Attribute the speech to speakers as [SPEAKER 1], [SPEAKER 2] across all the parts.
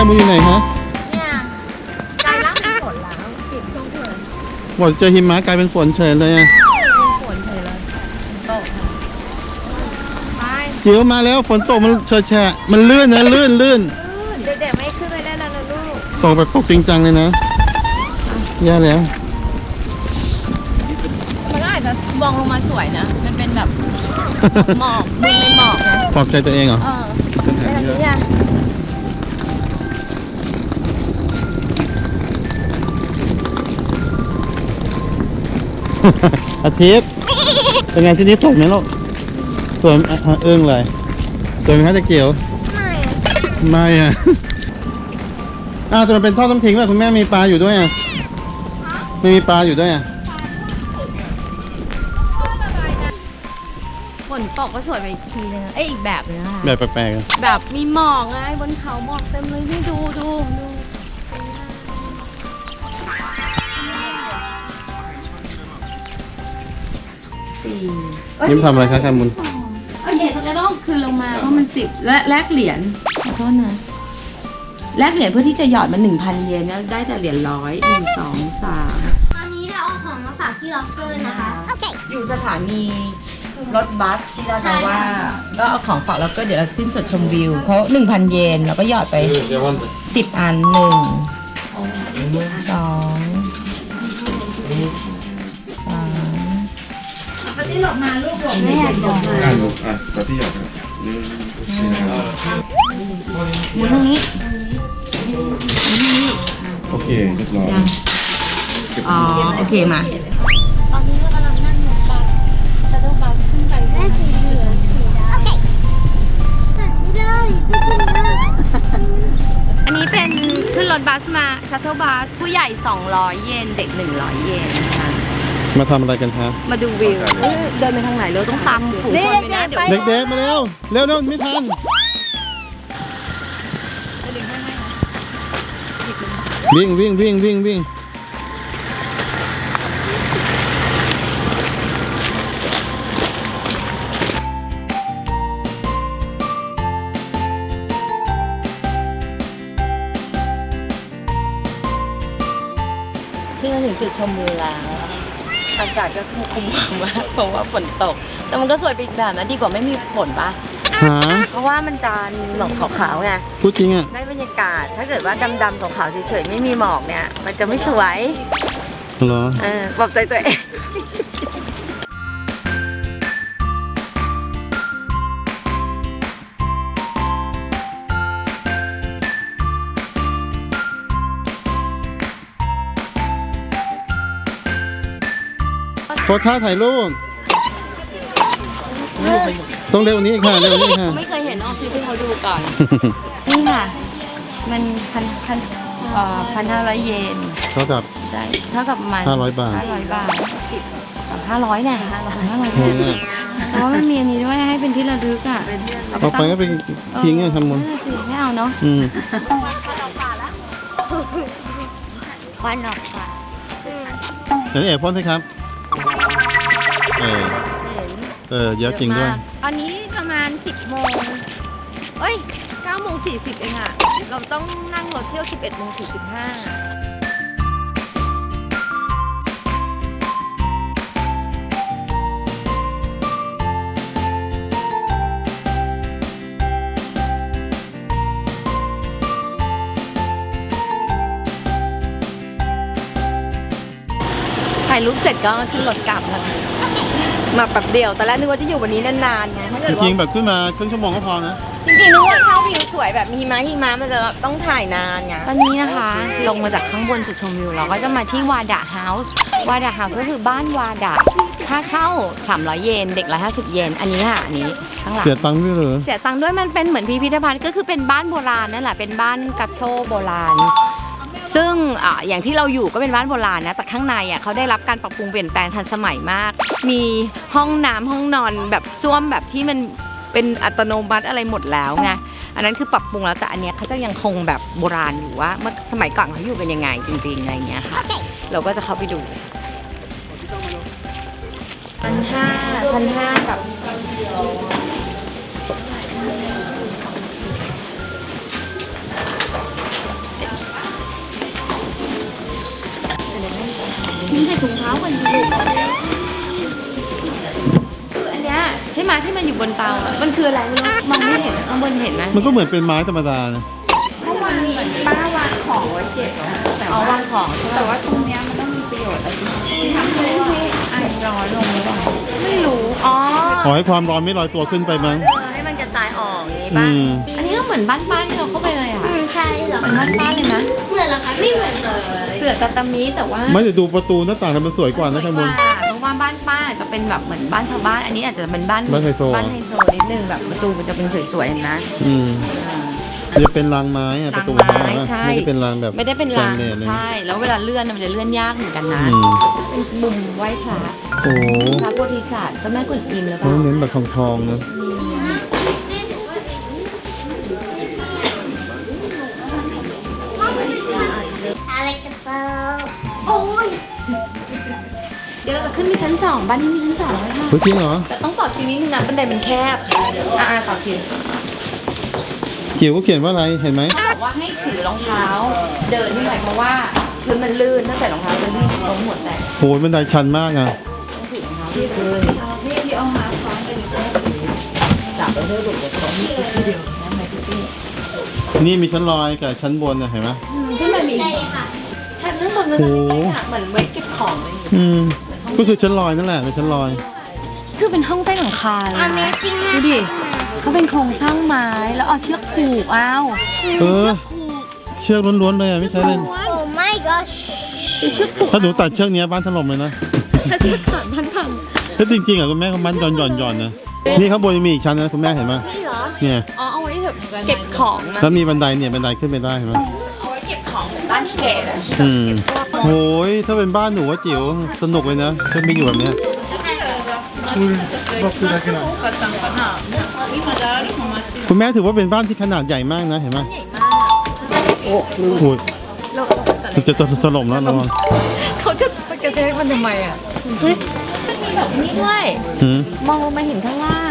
[SPEAKER 1] มุนอยู่ไหนฮะ
[SPEAKER 2] เนี่ยกลายร่างเป็นฝนแล้วปิดช่วงเลย
[SPEAKER 1] หมดเจอหิมะกลายเป็นฝนเฉยเลยอ่ะ
[SPEAKER 2] เป็นฝนเฉยเลยตกไป
[SPEAKER 1] จิ๋วมาแล้วฝนตกมันเฉยแฉะมันลื่นนะลื่น
[SPEAKER 2] เด็กๆไม่ขึ้นไปได้แล้วนะลูก
[SPEAKER 1] ตกแบบตกจริงจังเลยนะแย่แล้ว
[SPEAKER 2] มันก็อาจจะมองลงมาสวยนะมันเป็นแบบหมอกมึงในหมอกนะ
[SPEAKER 1] ปลอบใจตัวเองเหรอ
[SPEAKER 2] เป็นแบบนี้อ่ะ
[SPEAKER 1] อาทิตย์เป็นไงที่นี้สวยไหมลูกสวยเอื้องเลยสวยไหมคะตะเกียวไม่อ่ะจะมันเป็นท่อน้ำทิ้งป่ะคุณแม่มีปลาอยู่ด้วยอ่ะไม่มีปลาอยู่ด้วยอ่ะ
[SPEAKER 2] ฝนตกก็สวยไปอีกทีนึงอีกแบบนึงนะคะ
[SPEAKER 1] แบบแปลก
[SPEAKER 2] ๆแบบมีหมอกไงบนเขาหมอกเต็มเลยนี่ดู
[SPEAKER 1] ยิ้มทำอะไรคะแคมุน
[SPEAKER 2] โอเคเขาจะต้องคืนลงมาเพราะมัน10และแลกเหรียญขอโทษนะแลกเหรียญเพื่อที่จะหยอดมา 1,000 เยนแล้วได้แต่เหรียญ100 1 2 3
[SPEAKER 3] ตอนนี้เราเอาของมาฝากที่ล็อกเกอร์นะคะโอเค
[SPEAKER 2] อยู่สถานีรถบัสชิรากาวะก็เอาของฝากแล้วก็เดี๋ยวเราจะขึ้นจุดชมวิวเขา 1,000 เยนแล้วก็หยอดไป10 อัน1 2 3ปฏิหลบมาลูกหลบแม่หลบมา
[SPEAKER 4] ลูกปฏิหลบ
[SPEAKER 2] หมุนตรงนี้
[SPEAKER 4] โอเคเรียบร้อย
[SPEAKER 2] โอเคมา
[SPEAKER 3] ตอนนี้เรากำลังนั่งรถบัสชัตเทิลบัสขึ้นไปแม่สีเหลืองโอเคไม่ได้ไม่ขึ้นได้
[SPEAKER 2] อันนี้เป็นขึ้นรถบัสมาชัตเทิลบัสผู้ใหญ่200 เยนเด็ก100 เยนค่ะ
[SPEAKER 1] มาทำอะไรกันคะ
[SPEAKER 2] มาดูวิวเดินไปทางไหนเราต้องตามฝูงชนไปนะ
[SPEAKER 1] เด็กๆมาเร็วไม่ทันวิ่ง
[SPEAKER 2] ที่มาถึงจุดชมวิวแล้วอากาศก็คุมมากเพราะว่าฝนตกแต่มันก็สวยไปอีกแบบนะดีกว่าไม่มีฝนปะเพราะว่ามันจะมีหมอกขาวๆไง
[SPEAKER 1] พูดจริงอ่ะ
[SPEAKER 2] ได้บรรยากาศถ้าเกิดว่าดำๆขาวๆเฉยๆไม่มีหมอกเนี่ยมันจะไม่สวย
[SPEAKER 1] เหรอ
[SPEAKER 2] ปรับใจตัวเอง
[SPEAKER 1] โพสท่าถ่ายรูปต้องเร็วนี้ค่ะ
[SPEAKER 2] ไม่เคยเห็นออฟฟิศที่เขาดูก่อนนี่ค่ะมัน1,500 เยน
[SPEAKER 1] เท่ากับ
[SPEAKER 2] มัน
[SPEAKER 1] 500 บาท
[SPEAKER 2] 500เนี่ย500เพราะว่ามันมีอันนี้ด้วยให้เป็นที่ระลึกอ่ะ
[SPEAKER 1] ต่อไปก็เป็นทิ้งไงทำมุน
[SPEAKER 2] ไม่เอาเนาะ
[SPEAKER 3] ควันออกค่ะ
[SPEAKER 1] เดี๋ยวเอกพ่นสิครับเยอะจริงด้วย
[SPEAKER 2] อันนี้ประมาณ10 โมง9 โมง 40เองอ่ะเราต้องนั่งรถเที่ยว 11 โมง 45ถ่ายรูปเสร็จก็ขึ้นรถกลับแล้วมาแบบเดียวตอนแรกนึกว่าจะอยู่วันนี้นานๆไง
[SPEAKER 1] จริงๆแบบขึ้นมาครึ่งชั่วโมงก็พอนะ
[SPEAKER 2] จริงๆนึกว่าเข้าวิวสวยแบบมีหิมะมันจะต้องถ่ายนานไงตอนนี้นะคะลงมาจากข้างบนจุดชมวิวเราก็จะมาที่วาดะเฮาส์ก็คือบ้านวาดะค่าเข้า300 เยนเด็ก150 เยนอันนี้ค่ะอันนี้ข้างหลัง
[SPEAKER 1] เสียตังค์ด้วยเหรอ
[SPEAKER 2] เสียตังค์ด้วยมันเป็นเหมือนพิพิธภัณฑ์ก็คือเป็นบ้านโบราณนั่นแหละเป็นบ้านกัชโชโบราณซึ่งอย่างที่เราอยู่ก็เป็นบ้านโบราณนะแต่ข้างในเขาได้รับการปรับปรุงเปลี่ยนแปลงทันสมัยมากมีห้องน้ำห้องนอนแบบส้วมแบบที่มันเป็นอัตโนมัติอะไรหมดแล้วไงอันนั้นคือปรับปรุงแล้วแต่อันเนี้ยเขาจะยังคงแบบโบราณอยู่ว่าเมื่อสมัยก่อนเขาอยู่เป็นยังไงจริงๆอะไรเงี้ยค่ะเราก็จะเข้าไปดู1,500แบบอยู่บนเตาอะมันคืออะไรไม่รู้มองไม่เห็นข้างบนเห็นไหม
[SPEAKER 1] มันก็เหมือนเป็นไม้ธรรมดานะ
[SPEAKER 3] เมื่อวานป้าวางของไว้เก็บนะแต่
[SPEAKER 2] เอา
[SPEAKER 3] ว่าว
[SPEAKER 2] างของใช่ไหม
[SPEAKER 3] แต่ว่าตรงเนี้ยมันต้องมีประโยชน์อะไรที่ทำให้ไอร้อนลงหรือเปล่า
[SPEAKER 2] ไม่รู้อ๋อ
[SPEAKER 1] ขอให้ความร้อนไม่ลอยตัวขึ้นไปมั้ง
[SPEAKER 2] ให้มันกระจายออกอย่างนี้
[SPEAKER 1] อื
[SPEAKER 2] ป่ะ
[SPEAKER 1] ม
[SPEAKER 2] อันนี้ก็เหมือนบ้านป้าที่เราเข้าไปเลยอ่ะ
[SPEAKER 3] ใช่เหรอ
[SPEAKER 2] เหมือนบ้านป้าเลยนะ
[SPEAKER 3] เหมือนเหรอคะไม่เหมือนเลย
[SPEAKER 2] เสือตาตามิแต่ว่า
[SPEAKER 1] ไม่แต่ดูประตูหน้าต่างแล้วมันสวยกว่านะ
[SPEAKER 2] ส
[SPEAKER 1] ข้า
[SPEAKER 2] วย
[SPEAKER 1] งบ
[SPEAKER 2] กว่าน เพราะว่าบ้านป้าจะเป็นแบบเหมือนบ้านชาวบ้าน อันนี้อาจจะเป็นบ้าน
[SPEAKER 1] บ้านไฮโซ
[SPEAKER 2] บ้านไฮโซนิดนึงแบบประตูมันจะเป็นสวยๆเห็นไหม
[SPEAKER 1] อืมจะเป็นรางไม้อะประตูไม้
[SPEAKER 2] รางไม้
[SPEAKER 1] อะ
[SPEAKER 2] ใช่
[SPEAKER 1] ไม่ได้เป็นรางแบบ
[SPEAKER 2] ไม่ได้เป็นราง
[SPEAKER 1] แบนๆเลย
[SPEAKER 2] ใช่แล้วเวลาเลื่อนน่ะมันจะเลื่อนยากเหมือนกันนะ
[SPEAKER 1] อืม
[SPEAKER 2] เป็นมุมไหว้พระ
[SPEAKER 1] โอ้โห
[SPEAKER 2] พระโพธิสัตว์เจ้าแม่กวนอิมหรือเป
[SPEAKER 1] เขา
[SPEAKER 2] ล่า
[SPEAKER 1] เน้นแบบทองๆนะ
[SPEAKER 3] อะไรกันเปล่า
[SPEAKER 2] โอ้ยเดี๋ยวเราจะขึ้นไปชั้นสองบ้านนี้มีชั้นสองไหมคะ
[SPEAKER 1] เฮ้ยจริงเหรอ
[SPEAKER 2] แต่ต้องต่อคิวนิดนึงนะบันไดมันแคบต่อคิว
[SPEAKER 1] เขียวก็เขียนว่าอะไรเห็นไหม
[SPEAKER 2] เขาบอกว่าให้ถือรองเท้า เดินขึ้นไปเพราะว่าพื้นมันลื่นถ้าใส่รองเท้าจะลื่นล้มหัวแตก
[SPEAKER 1] โหบันไดชันมากอ่ะ
[SPEAKER 2] ต้องถือรองเท้าที่พื้นพี่เอามาซ้อนกันอยู่จับแล้วเพื่อหลุดจากตรงนี้ทีเดียวนะไหมพี่
[SPEAKER 1] นี่มีชั้นลอยกับชั้นบนนะเห็นไหม
[SPEAKER 2] ที่มันมี
[SPEAKER 3] ได้ค่ะ
[SPEAKER 2] ชั้นข้างบนก็จะเป็นลักษณะเหมือนไว้เก็บของเลย
[SPEAKER 1] อืมก็คือชั้นลอยนั่นแหละเป็นชั้นลอย
[SPEAKER 2] คือเป็นห้องใต้หลังคาเลยนะดูดิเขาเป็นโครงสร้างไม้แล้วเอาเชือกผูกอ้าว
[SPEAKER 1] เออ เชือกล้วนๆเลยอ่ะไม่ใช่เล่น
[SPEAKER 3] โอ้ my gosh
[SPEAKER 2] มีเชือกผูก
[SPEAKER 1] ถ้าหนูตัดเชือกเนี้ยบ้านถล่มเลยนะ
[SPEAKER 2] ถ้าเชือกขาดพันพัง
[SPEAKER 1] ถ้าจริงๆอ่ะคุณแม่เขามันหย่อนๆนะนี่ข้างบนยังมีอีกชั้นนะคุณแม่เห็นไหม
[SPEAKER 3] นี่เหรอ
[SPEAKER 1] เนี่ย
[SPEAKER 2] อ๋อเอาไว้เก็บของนะ
[SPEAKER 1] แล้วมีบันไดเนี่ยบันไดขึ้นไปได้เห็นไหม
[SPEAKER 2] เอาไว้เก็บของเหมือนบ้านเกดอะ
[SPEAKER 1] อืมโอ้ยถ้าเป็นบ้านหนูว่าจิ๋วสนุกเลยนะถ้าไม่อยู่แบบเนี้ยคุณแม่ถือว่าเป็นบ้านที่ขนาดใหญ่มากนะเห็นไหมโอ้โหมันจะถล่มแล้วระวัง
[SPEAKER 2] เขาจะไปกระแทกมันทำไมอ่ะเฮ้ยมันมีแบบนี้ด้วย
[SPEAKER 1] หืม
[SPEAKER 2] มองลงมาเห็นข้างล่าง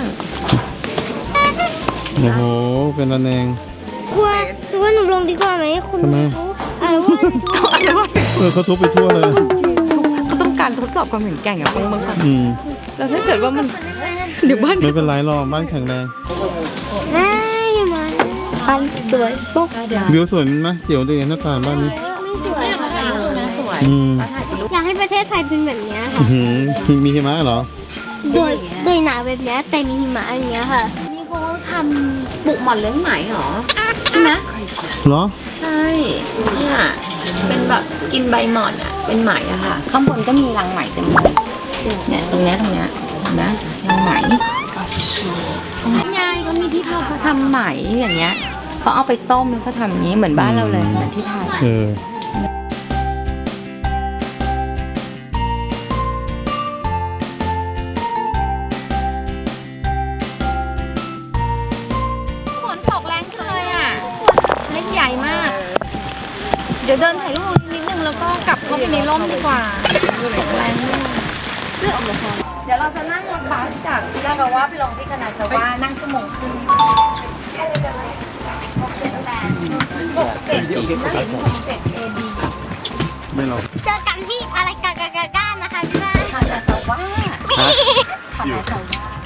[SPEAKER 1] โอ้โหเป็นระแนง
[SPEAKER 3] ว่าหนูลงดีกว่าไหมคุณ
[SPEAKER 1] ทำไม
[SPEAKER 3] อะไรว่า
[SPEAKER 1] เขาทุบไปทั่วเลย
[SPEAKER 2] เขาต้องการทดสอบความแข็งแกร่งอะบางครั้ง
[SPEAKER 1] อืม
[SPEAKER 2] แล้วถ้าเกิดว่ามันเดี๋ยวบ้าน
[SPEAKER 1] ไม่เป็นไรหรอกบ้านแข็งแรง
[SPEAKER 3] ไม่มาปันสวยปุ๊บ
[SPEAKER 1] วิวสวยมั้ยจิ๋วดีหน้าต่างบ้านนี้
[SPEAKER 3] ไม่สวยค่ะ
[SPEAKER 2] นะสวย
[SPEAKER 1] อืม
[SPEAKER 3] อยากให้ประเทศไทยเป็นแบบเนี้ย
[SPEAKER 1] อื้
[SPEAKER 3] ค่ะ
[SPEAKER 1] อหือมีหิมะเหรอ
[SPEAKER 3] โดยหนาแบบเนี้ยแต่มีหิมะอย่างเงี้ยค่ะ
[SPEAKER 2] นี่เขาทำปลูกหม่อนเลี้ยงไหมเหรอใช่ไหม
[SPEAKER 1] เหรอ
[SPEAKER 2] ใช่เนี่ยเป็นแบบกินใบหม่อนอ่ะเป็นไหมอะค่ะ ข้างบนก็มีรังไหมเต็มเลยเนี่ยตรงเนี้ยเห็นไหมรังไหมยายก็มีที่เขาทำไหมอย่างเงี้ยเขาเอาไปต้มแล้วเขาทำอย่างนี้เหมือนบ้านเราเลยเหมือนที่ไทย
[SPEAKER 1] เออ
[SPEAKER 2] ฝนตกแรงขึ้นเลยอ่ะเม็ดใหญ่มาก เดี๋ยวเดินถ่ายรูปนิดนึงแล้วก็กลับเข้าไปในร่มดีกว่าตกแรงมากเดี๋ยวเราจะนั่งรถบัสจากที่นากาวะไปลงที่คานาซาวะนั่งชั่วโมงครึ่ง67นั่นเอง67 AD
[SPEAKER 1] ไม่หรอก
[SPEAKER 3] เจอกันที่อะไรกากานะคะพี่แม่
[SPEAKER 2] คานาซาวะคานาซาวะ